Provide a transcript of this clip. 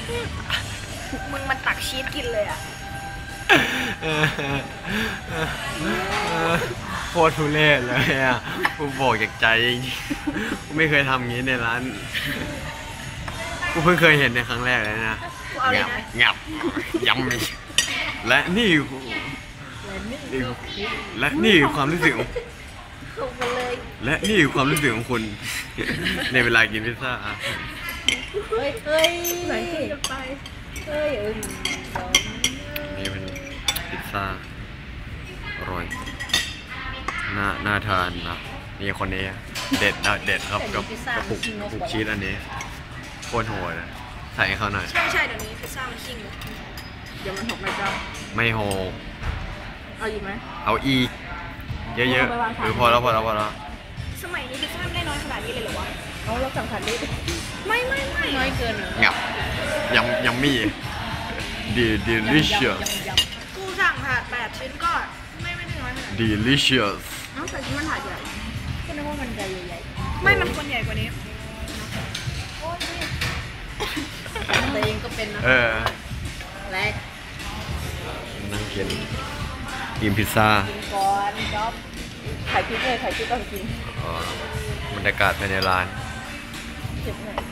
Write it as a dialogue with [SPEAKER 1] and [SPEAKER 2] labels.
[SPEAKER 1] มึงมันตักชีสกินเลยอ่ะ
[SPEAKER 2] โคตรทุเรศเลยอ่ะกูบอกจากใจจริงๆกูไม่เคยทำงี้ในร้านกูเพิ่งเคยเห็นในครั้งแรกเลยนะงับยำมีและนี่ความรู้สึกและนี่ความรู้สึกของคุณในเวลากินพิซซ่า
[SPEAKER 3] เฮ้ยไหนสิไปเฮ้ย
[SPEAKER 2] นี่เป็นพิซซ่าอร่อยน่าทานนะนี่คนนี้เด็ดครับกับปุกชีสอันนี้โคตรโหดใส่ให้เขาหน่อย
[SPEAKER 1] ใช่เดี๋ยวนี้พิซซ่ามันชิ่ง
[SPEAKER 3] เดี๋ยวมันหกไม่เจ้า
[SPEAKER 2] ไม่โห
[SPEAKER 3] เอาอีกไหม
[SPEAKER 2] เอาอีกเยอะๆพอแล้ว
[SPEAKER 1] สมัยนี้พิซซ่าไม่ได้น้อยขนาดนี้เลยเหรอวะ
[SPEAKER 3] เราสั่งผัดได้
[SPEAKER 1] ไม่
[SPEAKER 3] น้อยเกิน
[SPEAKER 2] งับยำมี่delicious
[SPEAKER 1] กูสั่งผัด8 ชิ้นก็ไม่ได้น้อยขนาด
[SPEAKER 2] delicious
[SPEAKER 3] แต่ชิ้นมันผัดใหญ่ก็นึกว่ามันใหญ่
[SPEAKER 1] ไม่มันควรใหญ่กว่านี้
[SPEAKER 3] ตัวเองก็เป็นนะแรก
[SPEAKER 2] นั่งกินพิซซ่า
[SPEAKER 3] ก่อนจ๊อบไข่พริกก่อนกิน
[SPEAKER 2] บรรยากาศภายในร้าน